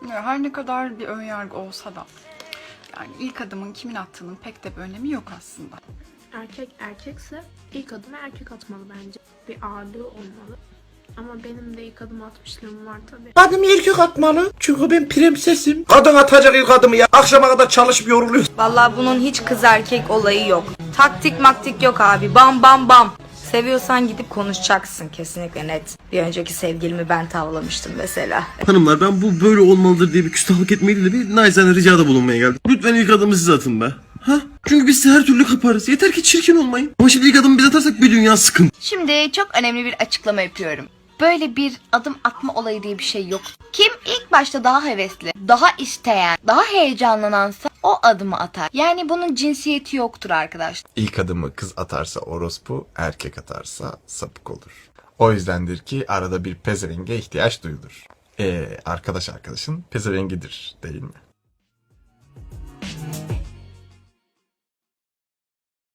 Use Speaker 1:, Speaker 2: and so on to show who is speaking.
Speaker 1: Ya her ne kadar bir önyargı olsa da yani ilk adımın kimin attığının pek de bir önemi yok aslında.
Speaker 2: Erkek erkekse ilk adımı erkek atmalı bence. Bir ağırlığı olmalı. Ama benim de ilk adım atmışlığım var tabii.
Speaker 3: Adımı erkek atmalı. Çünkü ben prensesim. Kadın atacak ilk adımı ya. Akşama kadar çalışıp yoruluyor.
Speaker 4: Vallahi bunun hiç kız erkek olayı yok. Taktik maktik yok abi. Bam bam bam. Seviyorsan gidip konuşacaksın, kesinlikle net. Bir önceki sevgilimi ben tavlamıştım mesela.
Speaker 5: Hanımlar, ben bu böyle olmalıdır diye bir küstahlık etmeyi değil de bir naçizane ricada bulunmaya geldim. Lütfen ilk adımı siz atın be. Ha? Çünkü biz size her türlü kaparız. Yeter ki çirkin olmayın. Ama şimdi ilk adımı biz atarsak bir dünya sıkıntı.
Speaker 6: Şimdi çok önemli bir açıklama yapıyorum. Böyle bir adım atma olayı diye bir şey yok. Kim ilk başta daha hevesli, daha isteyen, daha heyecanlanansa o adımı atar. Yani bunun cinsiyeti yoktur arkadaşlar.
Speaker 7: İlk adımı kız atarsa orospu, erkek atarsa sapık olur. O yüzdendir ki arada bir pezevenge ihtiyaç duyulur. Arkadaşın pezevengidir değil mi?